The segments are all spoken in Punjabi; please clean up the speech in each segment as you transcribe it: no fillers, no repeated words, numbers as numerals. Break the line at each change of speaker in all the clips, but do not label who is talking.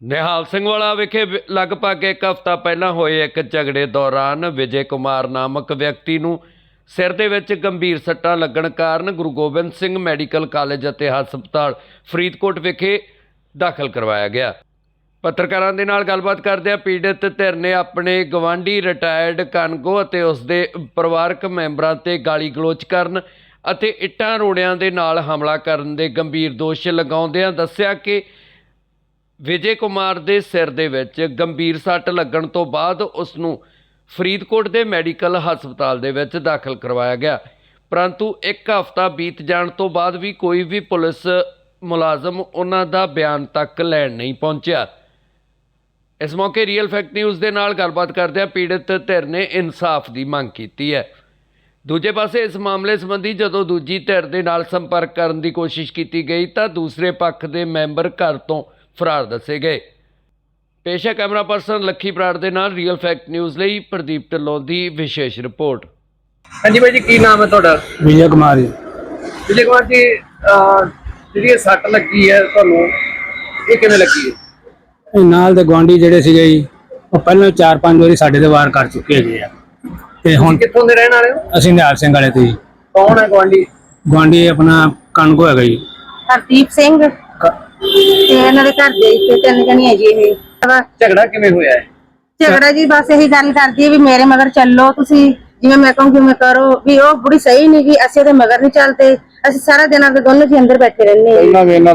ਨਿਹਾਲ ਸਿੰਘ ਵਾਲਾ ਵਿਖੇ ਲਗਭਗ ਇੱਕ ਹਫ਼ਤਾ ਪਹਿਲਾਂ ਹੋਏ ਇੱਕ ਝਗੜੇ ਦੌਰਾਨ ਵਿਜੇ ਕੁਮਾਰ ਨਾਮਕ ਵਿਅਕਤੀ ਨੂੰ ਸਿਰ ਦੇ ਵਿੱਚ ਗੰਭੀਰ ਸੱਟਾਂ ਲੱਗਣ ਕਾਰਨ ਗੁਰੂ ਗੋਬਿੰਦ ਸਿੰਘ ਮੈਡੀਕਲ ਕਾਲਜ ਅਤੇ ਹਸਪਤਾਲ ਫਰੀਦਕੋਟ ਵਿਖੇ ਦਾਖਲ ਕਰਵਾਇਆ ਗਿਆ। ਪੱਤਰਕਾਰਾਂ ਦੇ ਨਾਲ ਗੱਲਬਾਤ ਕਰਦਿਆਂ ਪੀੜਤ ਧਿਰ ਨੇ ਆਪਣੇ ਗਵਾਂਢੀ ਰਿਟਾਇਰਡ ਕਾਨਗੋ ਅਤੇ ਉਸ ਦੇ ਪਰਿਵਾਰਕ ਮੈਂਬਰਾਂ ਤੇ ਗਾਲੀ ਗਲੋਚ ਕਰਨ ਅਤੇ ਇੱਟਾਂ ਰੋੜਿਆਂ ਦੇ ਨਾਲ ਹਮਲਾ ਕਰਨ ਦੇ ਗੰਭੀਰ ਦੋਸ਼ ਲਗਾਉਂਦਿਆਂ ਦੱਸਿਆ ਕਿ ਵਿਜੇ ਕੁਮਾਰ ਦੇ ਸਿਰ ਦੇ ਵਿੱਚ ਗੰਭੀਰ ਸੱਟ ਲੱਗਣ ਤੋਂ ਬਾਅਦ ਉਸ ਨੂੰ ਫਰੀਦਕੋਟ ਦੇ ਮੈਡੀਕਲ ਹਸਪਤਾਲ ਦੇ ਵਿੱਚ ਦਾਖਲ ਕਰਵਾਇਆ ਗਿਆ, ਪਰੰਤੂ ਇੱਕ ਹਫ਼ਤਾ ਬੀਤ ਜਾਣ ਤੋਂ ਬਾਅਦ ਵੀ ਕੋਈ ਵੀ ਪੁਲਿਸ ਮੁਲਾਜ਼ਮ ਉਹਨਾਂ ਦਾ ਬਿਆਨ ਤੱਕ ਲੈਣ ਨਹੀਂ ਪਹੁੰਚਿਆ। ਇਸ ਮੌਕੇ ਰੀਅਲ ਫੈਕਟ ਨਿਊਜ਼ ਦੇ ਨਾਲ ਗੱਲਬਾਤ ਕਰਦਿਆਂ ਪੀੜਤ ਧਿਰ ਨੇ ਇਨਸਾਫ ਦੀ ਮੰਗ ਕੀਤੀ ਹੈ। ਦੂਜੇ ਪਾਸੇ ਇਸ ਮਾਮਲੇ ਸੰਬੰਧੀ ਜਦੋਂ ਦੂਜੀ ਧਿਰ ਦੇ ਨਾਲ ਸੰਪਰਕ ਕਰਨ ਦੀ ਕੋਸ਼ਿਸ਼ ਕੀਤੀ ਗਈ ਤਾਂ ਦੂਸਰੇ ਪੱਖ ਦੇ ਮੈਂਬਰ ਘਰ ਤੋਂ ਫਰਾਰ ਦੱਸੇ ਗਏ। ਪੇਸ਼ ਹੈ ਕੈਮਰਾ ਪਰਸਨ ਲੱਖੀ ਬਰਾੜ ਦੇ ਨਾਲ ਰੀਅਲ ਫੈਕਟ ਨਿਊਜ਼ ਲਈ ਪ੍ਰਦੀਪ ਢਿੱਲੋਂ ਦੀ ਵਿਸ਼ੇਸ਼ ਰਿਪੋਰਟ।
ਹਾਂਜੀ ਭਾਈ ਜੀ, ਕੀ ਨਾਮ ਹੈ ਤੁਹਾਡਾ?
ਵਿਜੇ ਕੁਮਾਰ ਜੀ।
ਵਿਜੇ ਕੁਮਾਰ ਜੀ, ਜਿਹੜੀ ਇਹ ਸੱਟ ਲੱਗੀ ਹੈ ਤੁਹਾਨੂੰ, ਇਹ ਕਿਵੇਂ ਲੱਗੀ ਹੈ?
ਇਹ ਨਾਲ ਦੇ ਗੁਆਂਢੀ ਜਿਹੜੇ ਸੀਗੇ ਜੀ, ਉਹ ਪਹਿਲਾਂ 4-5 ਵਾਰੀ ਸਾਡੇ ਤੇ ਵਾਰ ਕਰ ਚੁੱਕੇ ਹੈਗੇ ਆ। ਤੇ ਹੁਣ
ਕਿੱਥੋਂ ਦੇ ਰਹਿਣ ਵਾਲੇ ਹੋ?
ਅਸੀਂ ਨਿਹਾਲ ਸਿੰਘ ਵਾਲੇ ਤੇ ਜੀ।
ਕੌਣ ਹੈ ਗੁਆਂਢੀ?
ਗੁਆਂਢੀ ਆਪਣਾ ਕਣਕੋ ਹੈਗਾ ਜੀ,
ਹਰਦੀਪ ਸਿੰਘ ਤੇ ਇਹਨਾਂ ਦੇ ਘਰ ਦੇ ਇੱਥੇ 3 ਜਣੀਆਂ ਜੀ। ਇਹ
ਝਗੜਾ ਕਿਵੇਂ ਹੋਇਆ ਹੈ?
ਝਗੜਾ ਜੀ ਬਸ ਇਹੀ ਗੱਲ ਕਰਦੀ ਹੈ ਵੀ ਮੇਰੇ ਮਗਰ ਚੱਲੋ, ਤੁਸੀਂ ਜਿਵੇਂ ਮੈਂ ਕਹੂੰਗੀ ਮੈਂ ਕਰੋ। ਵੀ ਉਹ ਬੁੜੀ ਸਹੀ ਨਹੀਂ ਗੀ, ਅਸੀਂ ਉਹਦੇ ਮਗਰ ਨਹੀਂ ਚੱਲਦੇ। ਅਸੀਂ ਸਾਰਾ ਦਿਨ ਆਪਦੇ ਦੋਨੋਂ ਜੀ ਅੰਦਰ ਬੈਠੇ ਰਹਿੰਦੇ ਹਾਂ।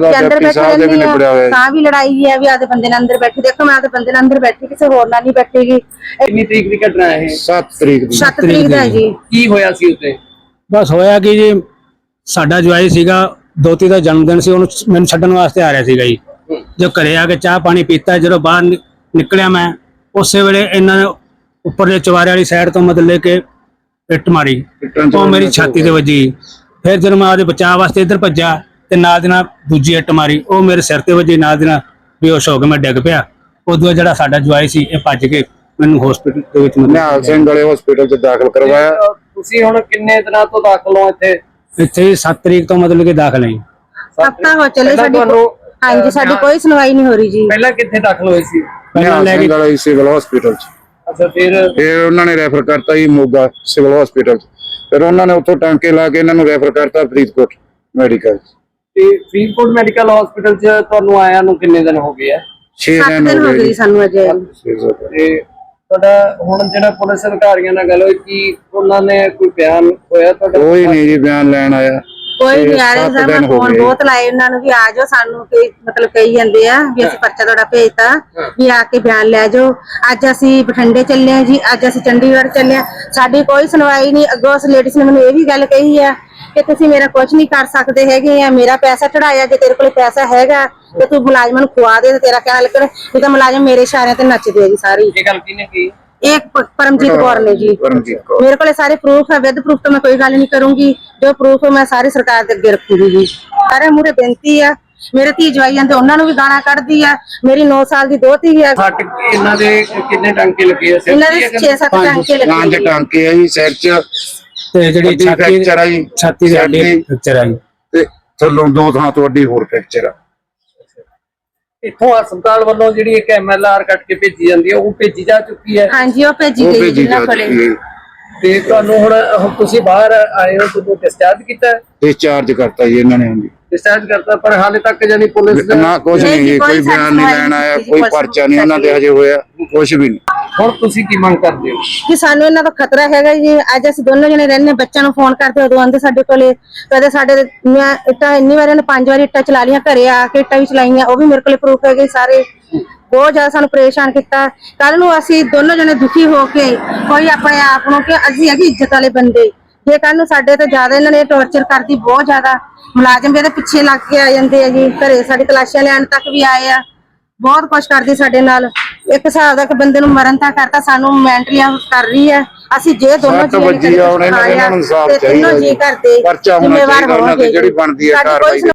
ਤਾਂ ਵੀ ਲੜਾਈ ਹੈ ਵੀ ਆਦੇ ਬੰਦੇ ਨਾਲ ਅੰਦਰ ਬੈਠੇ। ਦੇਖੋ ਮੈਂ ਆਦੇ ਬੰਦੇ ਨਾਲ ਅੰਦਰ ਬੈਠੀ, ਕਿਸੇ ਹੋਰ ਨਾਲ ਨਹੀਂ ਬੈਠੇਗੀ।
ਕਿੰਨੀ ਤਰੀਕ ਦੀ ਘਟਨਾ ਹੈ ਇਹ?
7 ਤਰੀਕ ਦੀ।
7 ਤਰੀਕ ਦਾ ਜੀ।
ਕੀ ਹੋਇਆ ਸੀ ਉੱਤੇ?
ਬਸ ਹੋਇਆ ਕਿ ਜੀ ਸਾਡਾ ਜਵਾਈ ਸੀਗਾ, ਦੋਤੀ ਦਾ ਜਨਮ ਦਿਨ ਸੀ, ਉਹਨੂੰ ਮੈਨੂੰ ਛੱਡਣ ਵਾਸਤੇ ਆ ਰਿਹਾ ਸੀਗਾ ਜੀ। ਜੋ ਘਰੇ ਆ ਕੇ ਚਾਹ ਪਾਣੀ ਪੀਤਾ, ਜਦੋਂ ਬਾਹਰ ਨਿਕਲਿਆ ਮੈਂ ਉਸੇ ਵੇਲੇ ਇਹਨਾਂ ਨੇ ਉੱਪਰ ਦੇ ਚਵਾਰੇ ਵਾਲੀ ਸਾਈਡ ਤੋਂ ਮਤਲਬ ਕਿ ਇੱਟ ਮਾਰੀ, ਉਹ ਮੇਰੀ ਛਾਤੀ ਤੇ ਵੱਜੀ। ਫਿਰ ਜਦੋਂ ਮੈਂ ਉਹਦੇ ਬਚਾਅ ਵਾਸਤੇ ਇੱਧਰ ਭੱਜਾ ਤੇ ਨਾਲ ਦੀ ਨਾਲ ਦੂਜੀ ਇੱਟ ਮਾਰੀ, ਉਹ ਮੇਰੇ ਸਿਰ ਤੇ ਵੱਜੀ। ਨਾਲ ਦੀ ਨਾਲ ਬੇਹੋਸ਼ ਹੋ ਕੇ ਮੈਂ ਡਿੱਗ ਪਿਆ। ਉਦੋਂ ਜਿਹੜਾ ਸਾਡਾ ਜਵਾਈ ਸੀ ਇਹ ਭੱਜ ਕੇ ਮੈਨੂੰ ਹਸਪੀਟਲ ਦੇ ਵਿੱਚ
ਨਿਹਾਲ ਸਿੰਘ ਵਾਲੇ ਹਸਪੀਟਲ 'ਚ ਦਾਖਲ ਕਰਵਾਇਆ।
ਤੁਸੀਂ ਹੁਣ ਕਿੰਨੇ ਦਿਨਾਂ ਤੋਂ ਦਾਖਲ ਹੋ ਇੱਥੇ?
ਇੱਥੇ 7 ਤਰੀਕ ਤੋਂ ਮਤਲਬ ਕਿ ਦਾਖਲ ਹੈ।
ਹਫਤਾ ਹੋ ਚੱਲੇ ਸਾਡੀ। ਹਾਂਜੀ, ਸਾਡੀ ਕੋਈ ਸੁਣਵਾਈ ਨਹੀਂ ਹੋ ਰਹੀ ਜੀ।
ਪਹਿਲਾਂ ਕਿੱਥੇ ਦਾਖਲ ਹੋਏ ਸੀ?
ਪਹਿਲਾਂ ਲੈ ਕੇ
ਵਾਲੇ ਸਿਵਲ ਹਸਪੀਟਲ 'ਚ।
ਅੱਛਾ, ਫਿਰ
ਉਹਨਾਂ ਨੇ ਰੈਫਰ ਕਰਤਾ ਜੀ ਮੋਗਾ ਸਿਵਲ ਹਸਪੀਟਲ 'ਚ। ਫਿਰ ਉਹਨਾਂ ਨੇ ਉੱਥੋਂ ਟਾਂਕੇ ਲਾ ਕੇ ਇਹਨਾਂ ਨੂੰ ਰੈਫਰ ਕਰਤਾ ਫਰੀਦਕੋਟ ਮੈਡੀਕਲ 'ਚ।
ਤੇ ਫਰੀਦਕੋਟ ਮੈਡੀਕਲ ਹਸਪੀਟਲ 'ਚ ਤੁਹਾਨੂੰ ਆਇਆ ਨੂੰ ਕਿੰਨੇ ਦਿਨ ਹੋ ਗਏ ਆ?
6 ਦਿਨ
ਹੋ ਗਏ ਸਾਨੂੰ ਅਜੇ।
ਤੇ ਤੁਹਾਡਾ ਹੁਣ ਜਿਹੜਾ ਪੁਲਿਸ ਅਧਿਕਾਰੀਆਂ ਨਾਲ ਗੱਲ ਹੋਈ, ਕੀ ਉਹਨਾਂ ਨੇ ਕੋਈ ਬਿਆਨ ਹੋਇਆ ਤੁਹਾਡਾ?
ਕੋਈ ਨਹੀਂ ਜੀ ਬਿਆਨ ਲੈਣ ਆਇਆ।
ਕੋਈ ਨਹੀਂ ਆ ਰਿਹਾ ਸਰ। ਮੈਂ ਫੋਨ ਬਹੁਤ ਲਾਏ ਉਹਨਾਂ ਨੂੰ ਵੀ ਆ ਜਾਓ, ਸਾਨੂੰ ਕੋਈ ਮਤਲਬ ਕਹੀ ਜਾਂਦੇ ਆ ਵੀ ਅਸੀਂ ਪਰਚਾ ਤੁਹਾਡਾ ਭੇਜਤਾ ਵੀ ਆ ਕੇ ਬਿਆਨ ਲੈ ਜਾਓ। ਅੱਜ ਅਸੀਂ ਬਠਿੰਡੇ ਚੱਲੇ ਆ ਜੀ, ਅੱਜ ਅਸੀਂ ਚੰਡੀਗੜ੍ਹ ਚੱਲੇ ਆ, ਸਾਡੀ ਕੋਈ ਸੁਣਵਾਈ ਨਹੀਂ। ਅੱਗੋਂ ਉਸ ਲੇਡੀਜ਼ ਨੇ ਮੈਨੂੰ ਇਹ ਵੀ ਗੱਲ ਕਹੀ ਆ ਕਿ ਤੁਸੀਂ ਮੇਰਾ ਕੁਝ ਨਹੀਂ ਕਰ ਸਕਦੇ ਹੈਗੇ ਆ, ਮੇਰਾ ਪੈਸਾ ਚੜਾਇਆ, ਜੇ ਤੇਰੇ ਕੋਲ ਪੈਸਾ ਹੈਗਾ ਤੇ ਤੂੰ ਮੁਲਾਜ਼ਮਾਂ ਨੂੰ ਖਵਾ ਦੇ ਤੇ ਤੇਰਾ ਕਹਿਣਾ ਲੱਗਣ। ਇਹ ਤਾਂ ਮੁਲਾਜ਼ਮ ਮੇਰੇ ਇਸ਼ਾਰਿਆਂ ਤੇ ਨੱਚਦੇ ਆ ਜੀ ਸਾਰੀ।
ਇਹ ਗੱਲ ਕਿਹਨੇ ਕੀ?
एक परमजीत कौर ने जी। मेरे को सारे प्रूफ है, विद प्रूफ तो मैं कोई गल नहीं करूंगी। जो प्रूफ है मैं सारी सरकार के अगे रखूंगी जी। सारे मुझे बेनती है, मेरे धी जवाई आंदे उन्हां नूं भी गाना कढदी है। मेरी 9 साल दी दोती है।
ਇਹਨਾਂ ਦੇ ਕਿੰਨੇ ਟਾਂਕੇ ਲੱਗੇ ਆ?
ਇਹਨਾਂ ਦੇ 6-7 ਟਾਂਕੇ ਲੱਗੇ।
5 ਟਾਂਕੇ ਆ ਜੀ ਸਿਰ 'ਚ,
ਤੇ ਜਿਹੜੀ
ਫ੍ਰੈਕਚਰ ਆ ਜੀ,
ਛਾਤੀ ਦੇ ਅੱਡੇ ਫ੍ਰੈਕਚਰ ਆ ਜੀ,
ਤੇ ਥੱਲੋਂ 2 ਥਾਂ ਤੋਂ ਅੱਡੀ ਹੋਰ ਫ੍ਰੈਕਚਰ ਆ।
ਇੱਥੋਂ ਹਸਪਤਾਲ ਵੱਲੋਂ ਜਿਹੜੀ ਇੱਕ MLR ਕੱਟ ਕੇ ਭੇਜੀ ਜਾਂਦੀ ਹੈ, ਉਹ ਭੇਜੀ ਜਾ ਚੁੱਕੀ ਹੈ?
ਹਾਂਜੀ, ਉਹ ਭੇਜੀ ਗਈ ਜਿੰਨਾ ਕੋਲੇ।
ਤੇ ਤੁਹਾਨੂੰ ਹੁਣ ਤੁਸੀਂ ਬਾਹਰ ਆਏ ਹੋ, ਤੁਹਾਨੂੰ ਡਿਸਚਾਰਜ ਕੀਤਾ?
ਡਿਸਚਾਰਜ ਕਰਤਾ ਜੀ ਇਹਨਾਂ ਨੇ। ਹਾਂਜੀ,
ਡਿਸਚਾਰਜ ਕਰਤਾ, ਪਰ ਹਾਲੇ ਤੱਕ ਜਾਨੀ ਪੁਲਿਸ
ਨਾ ਕੁਝ ਨਹੀਂ ਜੀ, ਕੋਈ ਬਿਆਨ ਨਹੀਂ ਲੈਣ ਆਇਆ, ਕੋਈ ਪਰਚਾ ਨਹੀਂ ਉਹਨਾਂ ਦੇ ਹਜੇ ਹੋਇਆ, ਕੁਝ ਵੀ ਨਹੀਂ।
ਹੁਣ ਤੁਸੀਂ ਕੀ ਮੰਗ ਕਰਦੇ ਹੋ?
ਕਿ ਸਾਨੂੰ ਇਹਨਾਂ ਦਾ ਖਤਰਾ ਹੈਗਾ ਜੀ। ਅੱਜ ਅਸੀਂ ਦੋਨੋਂ ਜਣੇ ਰਹਿੰਦੇ, ਬੱਚਿਆਂ ਨੂੰ ਫੋਨ ਕਰਦੇ ਉਦੋਂ ਆਂਦੇ ਸਾਡੇ ਕੋਲੇ। ਕਦੇ ਸਾਡੇ ਮੈਂ ਇੱਟਾਂ ਇੰਨੀ ਵਾਰ ਇਹਨੇ 5 ਵਾਰੀ ਇੱਟਾਂ ਚਲਾ ਲੀਆਂ, ਘਰੇ ਆ ਕੇ ਇੱਟਾਂ ਵੀ ਚਲਾਈਆਂ, ਉਹ ਵੀ ਮੇਰੇ ਕੋਲੇ ਪ੍ਰੂਫ ਹੈਗੇ ਸਾਰੇ। ਬਹੁਤ ਜ਼ਿਆਦਾ ਸਾਨੂੰ ਪਰੇਸ਼ਾਨ ਕੀਤਾ। ਕੱਲ ਨੂੰ ਅਸੀਂ ਦੋਨੋਂ ਜਣੇ ਦੁਖੀ ਹੋ ਕੇ ਕੋਈ ਆਪਣੇ ਆਪ ਨੂੰ ਕਿ ਅਸੀਂ ਹੈਗੇ ਇੱਜ਼ਤ ਵਾਲੇ ਬੰਦੇ, ਜੇ ਕੱਲ ਨੂੰ ਸਾਡੇ ਤੋਂ ਜ਼ਿਆਦਾ ਇਹਨਾਂ ਨੇ ਟੌਰਚਰ ਕਰਦੀ ਬਹੁਤ ਜ਼ਿਆਦਾ। ਮੁਲਾਜ਼ਮ ਵੀ ਇਹਦੇ ਪਿੱਛੇ ਲੱਗ ਕੇ ਆ ਜਾਂਦੇ ਆ ਜੀ, ਘਰੇ ਸਾਡੀ ਤਲਾਸ਼ੀਆਂ ਲੈਣ ਤੱਕ ਵੀ ਆਏ ਆ। ਬਹੁਤ ਕੁਛ ਕਰਦੀ ਸਾਡੇ ਨਾਲ। ਇੱਕ ਹਿਸਾਬ ਦਾ ਕਿ ਬੰਦੇ ਨੂੰ ਮਰਨ ਤੱਕ ਕਰਤਾ, ਸਾਨੂੰ ਮੈਂਟਲੀ ਕਰ ਰਹੀ ਹੈ। ਅਸੀਂ ਜੇ ਦੋਨੋਂ ਜੀ
ਇਹਨਾਂ ਨੂੰ ਇਨਸਾਫ ਚਾਹੀਦਾ,
ਤਿੰਨੋਂ ਜੀ ਕਰਦੇ
ਪਰਚਾ ਹੋਣਾ ਚਾਹੀਦਾ, ਜਿਹੜੀ ਬਣਦੀ ਹੈ ਕਾਰਵਾਈ।